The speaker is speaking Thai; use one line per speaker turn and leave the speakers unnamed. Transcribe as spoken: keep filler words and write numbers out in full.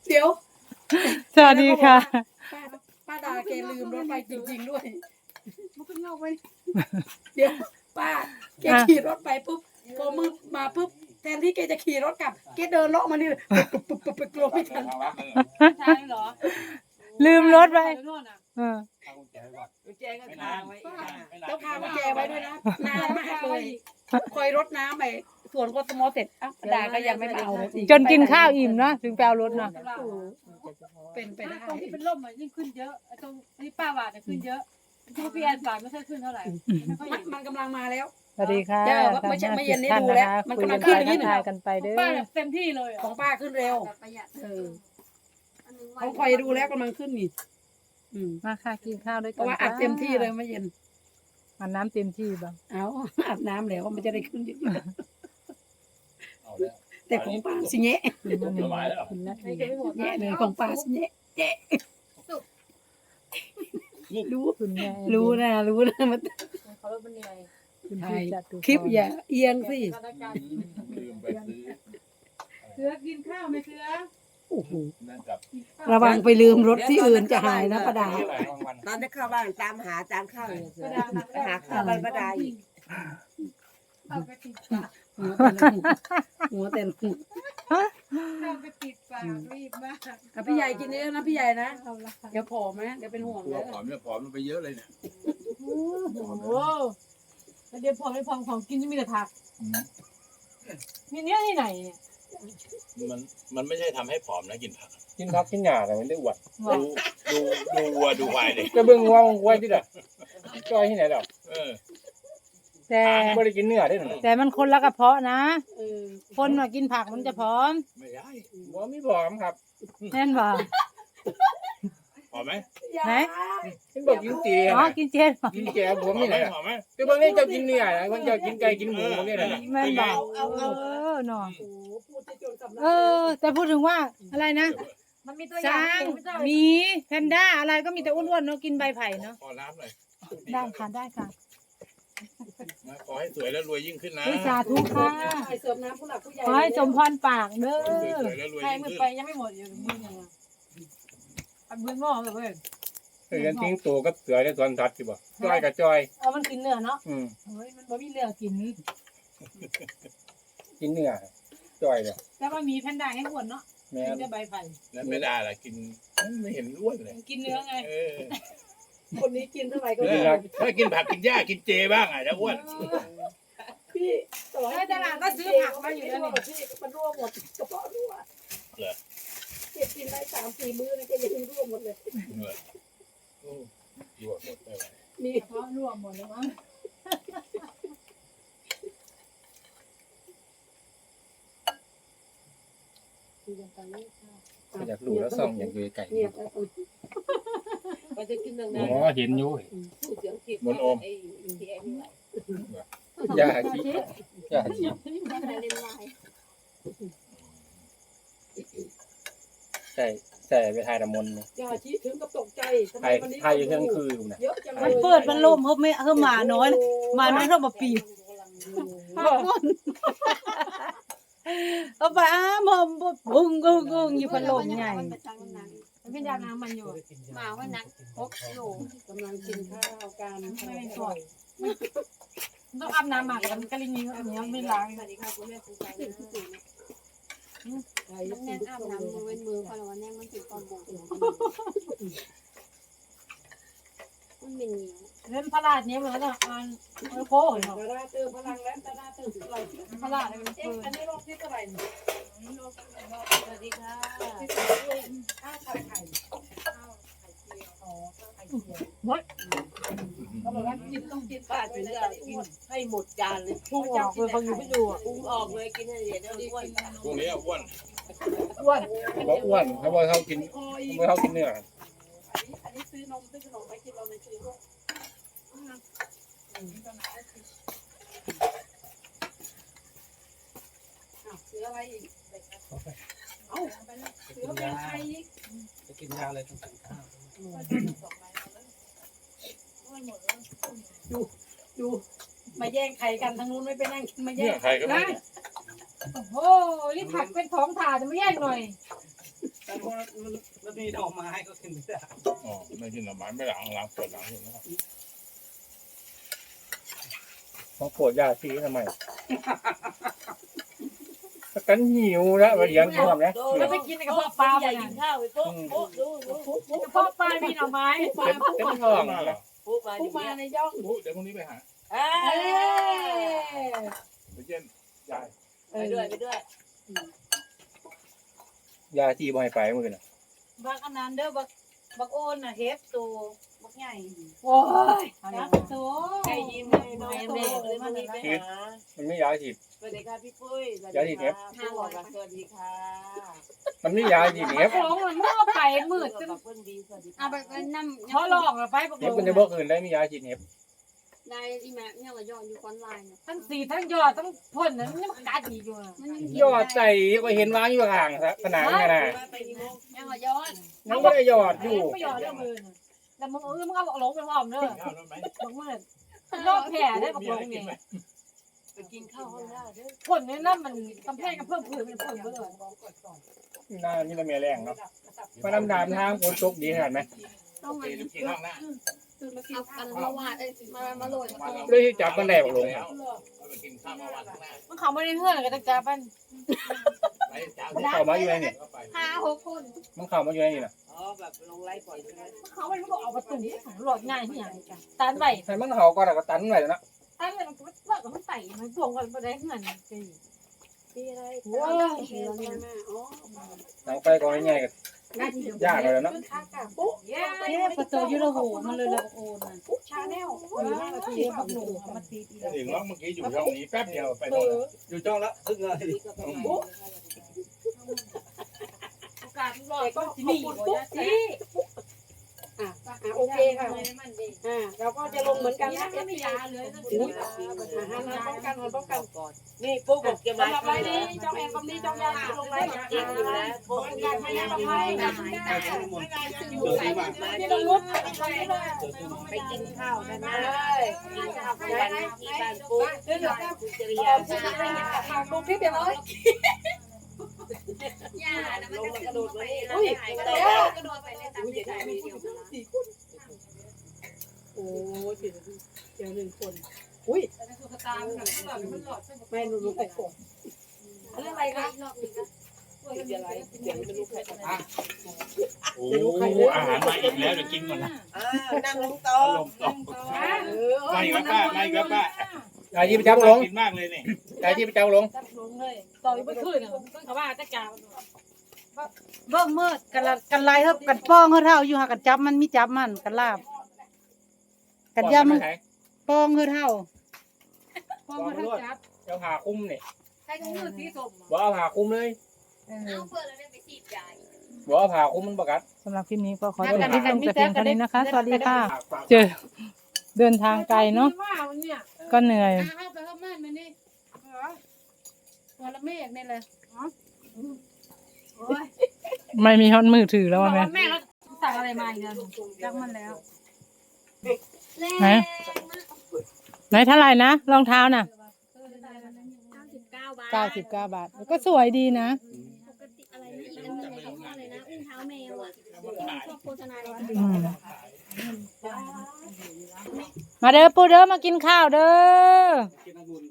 เดี๋ยว
สวัสดีค่ะ
ป้าป้าดาแกลืมรถไปจริงๆด้วย
มันก็เงาไป
เดี๋ยวป้าแกขี่รถไปปุ๊บพอมืดมาปุ๊บแทนที่แกจะขี่รถกลับแกเดินเลาะมานี่เลยปุ๊บปุ๊บปุ๊บปุ๊บกลัวไม่ทัน
ใช่เหรอ
ลืมรถไป
โน่นน่ะ
เออ
กุญแจก็คาไว้
ต้องพากุญแจไว้ด้วยนะนานมากเลยคอยรถน้ำไปสวนกทมเสร็จอ่ะป้าดาก็ยังไม่มาเอาเลย
จนกินข้าวอิ่มเนาะถึงไปเอารถเนาะ
โอ้โหเป็นไปได้
ตรงที่เป็นร่มมันยิ่งขึ้นเยอะไอ้ตรงที่ป้าหวานเนี่ยขึ้นเยอะที่พี่แอนหวานไม่ค่อยขึ้นเท่าไหร่ไม่ค่อย
มัน
เห็น
มันกำลังมาแล้ว
สวัสดีค่ะ
เจ้าว่าไม่ใช่ไม่เย็นนี่
ท่าน
ดู
นะ
แล้ว
คะ
มัน
คุย
กำลั
กั
ง
น
ขึ้
ไป
นอย่างนี้
ทักทายกันไปเด้อ
ป้าแบบเต็มที่เลย
ของป้าขึ้นเร็ว
ประหยัด
เออของคอยดูแล้วกำลังขึ้นนี่อืม
มาค่ะกินข้าวด้วย
เพ
กัน
ราะว่าอัดเต็มที่เลยไม่เย็น
อาบน้ำเต็มที่บ้าง
เอาอาบน้ำแล้วมันจะได้ขึ้นเยอะ
เอาแล้ว
ๆแต่ของป้าสิแงะ
กินมาหนึ่งกินแล้ว
ไม่เก็บไม่หมด
แงะเลยของป้าสิแงะแงะรู้
คุณแม่
รู้นะรู้นะมัน
เขาเริ่มเหนื่อย
คุณ
ถ่า
พี่
ย
จัดดู
คลิปอย่าเอียงสิ
สถานการณ์
ลืมไปซื้อ
เสือกินข้าวไหมเสือ
โอ้โห
นั่นกับ
ระวังไปลืมรถที่อื่นจะหายนะป้าดา
ตอนที่เข้าบ้านตามหาจานข้าวอยู่เสือไปหาข้าวบ้านป้าดาอีก
เอาไปติดปาก
หัวแต่ละหัว
เอาไปติดปากรีบมาก
อ่ะพี่ใหญ่กินเยอะนะพี่ใหญ่นะเดี๋ยวผอมนะเดี๋ยวเป็นห่วง
ตัว
นะ
ผอมเนี่ยผอมลงไปเยอะเลยเนี่ย
โอ้โหแล้วเดี๋ยวพอไม่พอของกินจะมีแต่ผักมีเนี้ยที่ไหนเนี่ย
มันมันไม่ใช่ทำให้ผอมนะกินผัก
กินพักกินหญ้าแต่มันได้อวด
ดูดูดูวัวดูควายเลย
ก็เบิ่งว่ามันไว้ที่ไหนจ้อยที่ไหนดอก
เออ
แต่
ไม่ได้กินเนื้อได้หรอ
แต่มันคนละกระเพาะนะ
เออ
คนมากินผักมันจะพร้อม
ไม่ได้
บ่มีผอมครับ
แน่นบ่
ผอมไหม
ไหน
เห็นบอกกินเจ
อ๋อกินเจนบ่
กินแกบผม
ผอม
นี่
ไหม
แหละ
ผอมไหม
แต่บางทีเจ้ากินเนื้อนะบางเจ้ากินไก่กินหมูนี่แหละ
แม่นบ่
เอาเอา
เออเนาะ
โอ้โหพูดจะจนสำลัก
เออ แต่พูดถึงว่าอะไรนะ
มันมีตัวอย่า
ช้าง
งไม่ต้อง
หมีแพนด้าอะไรก็มีแต่อ้วนๆเนาะกินใบไผ่เนาะ
ขอน้ำหน่อย
ได้ค่ะได้ค่ะ
นะขอให้สวยแล้วรวยยิ่งขึ้นนะ
วิสาธุค่ะ
ใส่เสริมน้ำผู้หลักผู้ใหญ่
ขอให้สมพรปากเด้อ
สวยแล้วรวย
ใคร
ยิ่ง
มือ
ขึ้น
ไปยังไม่หมดอยู่มือยังอันมือหม้อเลยเว้ย
เคยกันทิ้งตัวกับเสือในสวนสัตว์สิบ่จ้อยกับจ้อย
เอามันกินเนื้อเนาะ
อืม
เฮ้ยมันบ่มีเนื้อกิน
กินเนื้อจ้อยเลย
แล้วมันมีแพนด้าให้อ้วนเนาะ
แม่
กิน
น
แต่ใบไผ่
แล้วไม่ได้ล่ะกินไม่เห็นอ้วนเลย
กินเนื้อไง
เออ
คนนี้กินเท่าไหร่ก็
เอ
ดี
อถ้ากินผักกินหญ้ากินเจบ้างอ่ะแล้วอ้วน
พี่ต่อ
เออตลาดก็ซื้อผักมาอยู่แล้วนี่
พี่มันรั่วหมดกระเพาะรั่วเก็บกินได้สามสี่มื้อนะก็ยังรั่วหมดเลย
โอ้ยั่วหมดไม่ไหว
มี
เพราะรวมหมดเลยมั้ง
ก็อยากรู้แล้วส่องอยากอยู่ไก่
เงียบแล้ว
ก็จะกินเรื่อง
อ๋
นั้น
อเห็นอยู่
พูดเสียงผิดไอ้ที่ไอ้นี่
ยาชียาชี
ได้มาเล่นไลน์
ใส่ใส่ไปทายน้ำมนต์เลย
อย่าชี้ถึงกับตกใจทำไม
ทาย
วันนี้
ทายอยู่เที่ยงคืนอยู่นะ
เยอะจังเลย
มันเปิดมันล่มเพิ่มไม่เพิ่มหมาน้อยหมาน้อยเท่ามาปีบพักก่อนเอาไปอ้ามอมบุ้งกุ้งกุ้งอยู่พัดลมใหญ่
มันไปจังนั้น
มันเป็นยาน้ำมันอยู่
หมาว่านักพกโล
กำลังกินข้าวกัน
ไม่เป็นส่วนต้องอาบน้ำหมักกันกะลิงีอันนี้ไม่ล้าง
สวัสดีค่ะคุณแม่คุณชาย
ใคร
น้องแน่นอาบน้ำมือเว้นมือพอแล้ววันแน่มันถึงตอนโบกมันเป็นเหนียว
เล่นพลาดเนี้ยเหมือนกันอ่านโค้ง
ตาดาเติมพลังแล้วตาดาเติมเรา
พลาดเลยมัน
เอ๊ะอันนี้รอบที่เท่าไหร่เนี่ย
สวัสดีค่ะ
ที่สองด้วยข้าวผัดไข่ข้าวไข่เจียวอ๋อข้าวไข่เจียวเขาบอกว่ากินต้องกิน
ป้า
ผัด
ถึง
ด้วย
จะ
นะ
กินให้หมดจานเลย
พุ่งออกเลยเขาอยู่ไม่อยู่อ่ะ
ปรุงออกเลยกินให้เดี๋ยวอ้วน
พวกนี้อ้วน
อ้วน
เขาบอกอ้วนเขาบอกเขากิน
คอย
เขาบอกเขากินเนื้อ
อันนี้ซื้อนมซื้อขนมไปกินเราในซื้อด้วยซื้ออะไรอีกเอ้าซื้อเป็นไข่อีก
จะกินยาอะไรต้องกินข้าว
ดูมาแย่งไข่กันทางนู้นไม่ไปนั่งมาแย่
เนี่ย
ง
ใครก็ไม่
โอ้โหนี่ผักเป็นของถาจะไม่แย่งหน่อย
ตา
มันมีดอกไม้ก็กินไม่ได้
อ๋อไม่กินหน่อไม้ไม่หลังหลังปวดหลังอยู่นะครับ
มาโปรดยาชีทำไมถ้ากันหิวแล้วมาเลี้ยงพร้อมนะ
แล้วไปกินในกระเพาะปลา
ใหญ่
ไป
กินข้าวไปปุ๊บปุ๊บดูดูปุ๊บปุ๊บ
กระเพาะปลามีหน่อไม้
เต็มเต็มท้องนะ
ปุ๊บมาอ
ผู้
ยู่
มา
เนี่ย
ในย่อง
อุ๊ยเดี๋ยวพรุ่งนี้ไปหา
เอ้ย
ไปเช่นยาย
ไปด้วยไปด้วย
ยาชีบ่ให้ไปมื้อน่ะ
บักอันนั้นเด้อบักบักโอนน่ะเฮ็ดตัวบักใหญ่
โอ้ย
จักตัว
ใครยิ้มให้น้องโตเลยวันนี้ไปหา
มันไม่ยาชี
สวัสดีค่ะพี่ปุ้ยสวัส
ยา
ดี
ดีเทป
ค่ะผู้บอกสวัสดีค่ะ
มันไม่ยาชีเน็บ
หลงมันมั่วไปมืดจน
ขอบคุณดีสวัสดี
เอา
ค่ะ
ไปนั่ำ
เขาหลอกเราไปบักหล
เน็บ
ง
มันจะบอกอื่นได้มียาชีเน็บ
ได้อีแม่เนี่ยก็ยอดอยู่คอนไลน์เนี่ย
ทั้งสีทั้งยอดทั้งพ่นนั้นนี่มันกัดอีกอยู่
มันยัง
ยอดใส่ก็เห็นวางอยู่ห่างผนังน่ะนะ
ไปกี่โมง
ยังก็ยอด
มันก็ได้ยอดอยู่
ไม่ยอดเรื่องมือแต่มึงเออมึงเอาบักหลงไปพร้อมเด้อ
ข้าวแล้วไหม
บักมืดรอบแผลได้บัก
มี
หล
อะไร
ง
กิน
นี่
ไหม
ไปกินข้าวห้องได้เด้อ
พ่นนี่นั่นมันกำแพงกับเพิ่มพื้นเป็นพ่นเบื่อ
น่านี่ละเมียแรงเนาะมาดำน้ำทางฝนตกดีขนาดไหม
ต้อง
โอ
มา
เคเดี๋ยวกินข้าวหน้า
เอากันมาวาดเอ้ยมามาโรยมาโรย
เลยจับกันแดดลง
แล้วเอาไปกินข้าวเมื่อวานข้างหน้า
มันเขาไม่ได้เพื่อนกันจะจับมัน
ไปจ้า
มันเข้ามาอยู่ในนี่
ก็ไป
ห้าหกคน
มันเข้ามาอยู่ในนี่น่ะ
อ๋อแบบลงไลฟ์ปล่อยใช่ไหม
เขาไม่รู้เอาประตูของหลอดง่ายที่อย่างกันตันไป
ให้มันเข้าก็แล้วก็ตันไว้แล้วนะ
ตันไปมันก็ว่ากับมันใส่มันพวงกันไปได้เงินไป
มีอะไร
โอ้ย
เดี๋ยวนี้มาอ๋อ
หลังไปก็ง่ายๆก็ยากเลยเนาะ
เย้
เอ๊ะประตูยูโรโหมันเลยละโอนน่ะ
ชาแนล
เออห้านาทีบักหนูมาตีอี
ถึงว่าเมื่อกี้อยู่ช่องนี้แป๊บเดียวไปโน่นแล้ว
อยู่จ้องแล้วครึ่งนาที
โอกาสรอดก็มีปุ๊บสิ
อ่ะอ่ะโอเคค่ะอ่าเราก็จะลงเหมือนกันนะเอฟ
ไม่
ซี
ยาเลยนะ
อุ้ยอ่าหันมาป้องกันหันป้องกัน
นี่ปุ๊บบอกจะมา
สำหรับไลน์นี้จ้องแอนคอมนี้จ้องยาลงไลน์นะ
กินอยู่แล้วปุ๊บ
การพยายามไปนะ
นี่ต้องลุก
ไปกินข้าวกันนะกินข้าวกันที่บ้านปุ๊บคุณจริยาจ้า
ฝากดูคลิปเดี๋ยวเลย
ย่านะมันจะกระโดดไปเลย
อุ้ย
กระโด
เดี๋ยว
ดกระโดดไปเลยตามที่ถ่ายวีดีโอมา
โอ้ยเดี๋ยวหนึ่งคนอุ้ยไม่รู้รู้ใครก่อนอะไรอะไรคะ
รอบนี้ก็
เดี๋ยวอะไรเดี๋ยวไม่รู้ใครจะมา
โอ้อาหารมาอีกแล้วเดี๋ยวกินก่อนนะ
อ่านั่งลงโต๊ะ
ลงต่อ
เออ
ไม่ครับป้าไม่ครับป้าย
าชีไปจับลง
กินมากเลยนี่
ยาชีไปจับลง
จับลงเลยต่ออีกไม่ขึ้นอ่ะขึ้นเขาว่าจะจ่า
เบิ่งมืดกันละกันลายเฮากันป้องเฮาเท่าอยู่หากันจับมันมีจับมันกันลาบกันยำ
ไหน
ป้องเฮาเท่า
พอมาทั้งจับ
เจ้าผ่าคุ้มนี่
ใครก็มือสีส้ม
บ่เอาผ่าคุ้มเลย
เอาเปิดแล้วได้ไปฉีดยา
บ่เอาผ่าคุ้มมันประกัด
สำหรับคลิปนี้ก็ขอจบคลิปลงแต่เพียงเท่านี้นะคะ สวัสดีค่ะ เจอเดินทางไกลเนาะ
ว่าวันเนี้ย
ก็เหนื่อย
เข้าไปเข้าม่านมานี่ตัวละเมฆนี่เลย
ไม่มีฮอตมือถือแล้วว่าแม่
แม่เราสั่งอะไรมาอีกแล้วจักมันแล้ว
ไหนไหนเท่าไหร่นะรองเท้าน่ะ
เก้าสิบเก้าบาท
เก้าสิบเก้าบาทก็สวยดีนะ
ปกติอะไรนะอีกอันนึงเขาว่าอะไรนะอุ้งเท้าแมวอ่ะชอบโฆษณาเรา
อืมมาเด้อปูเด้อมากินข้าวเด้อ
กินองุ่น